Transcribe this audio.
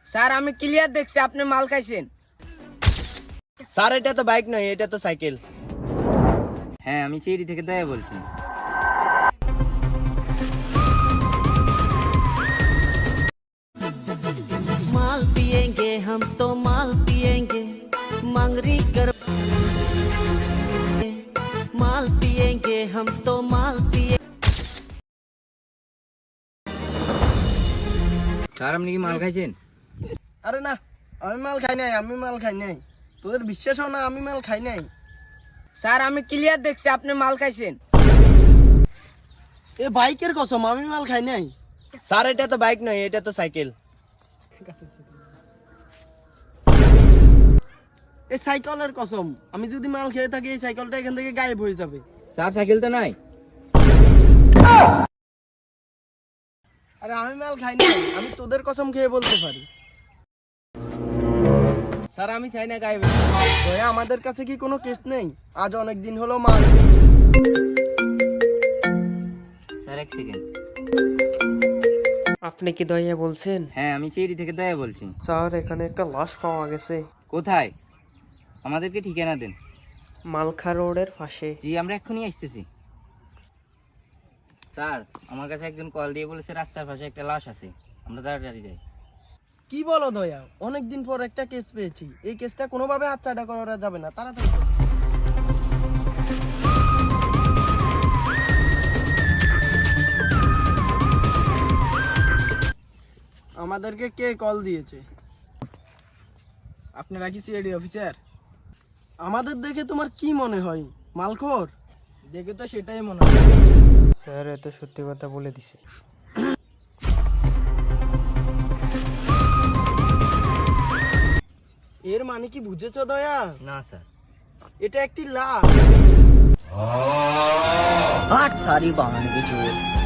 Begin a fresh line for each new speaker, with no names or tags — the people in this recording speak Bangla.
স্যার আমি ক্লিয়ার দেখছি আপনি মাল খাইছেন।
স্যার এটা তো বাইক নয়, এটা তো সাইকেল।
হ্যাঁ আমি সিঁড়ি থেকে দয়া বলছি।
माल पिएंगे हम तो माल पिएंगे मंगरी कर माल पिएंगे हम तो माल पिए
স্যার আপনি কি মাল খাইছেন?
আরে না, আমি মাল খাই নাই। তোদের বিশ্বাস হয় না আমি মাল খাই নাই?
স্যার আমি ক্লিয়ার দেখছি আপনি মাল খাইছেন।
এ বাইকের কসম, আমি মাল খাই নাই। স্যার এটা তো বাইক নয়, এটা তো সাইকেল। এই সাইকেলের কসম, আমি যদি মাল খেয়ে থাকি এই সাইকেলটা এখান থেকে গায়েব হয়ে যাবে।
স্যার সাইকেল তো নাই।
আরে আমি মাল খাই নাই, আমি তোদের কসম খেয়ে বলতে পারি। স্যার আমি চাই না গায়েব হয়ে। আমাদের কাছে কি কোনো কেস নেই? আজ অনেক দিন হলো মাল।
স্যার এক সেকেন্ড।
আপনি কি দয়া বলছেন?
হ্যাঁ আমি সিঁড়ি থেকে দয়া বলছি।
স্যার এখানে একটা লাশ পাওয়া গেছে
কোথায়? আমাদেরকে ঠিকানা দেন।
মালখা রোডের পাশে।
জি আমরা এক্ষুনি আসতেছি। স্যার আমার কাছে একজন কল দিয়ে বলেছে রাস্তার পাশে একটা লাশ আছে, আমরা তাড়াতাড়ি যাই।
কি বলো দয়া, অনেকদিন পর একটা কেস পেয়েছি, এই কেসটা কোনোভাবে হাতছাড়া করা যাবে না, তাড়াতাড়ি করো। আমাদেরকে কে কল দিয়েছে?
আপনারা কি সিআইডি অফিসার?
আমাদের দেখে তোমার কি মনে হয়, মালখোর?
দেখে তো সেটাই মনে হয়।
স্যার এত সত্যি কথা বলে দিছে।
এর মানে কি বুঝেছো দয়া?
না স্যার।
এটা একটি লাশ।
আট তারি বানানো কিছু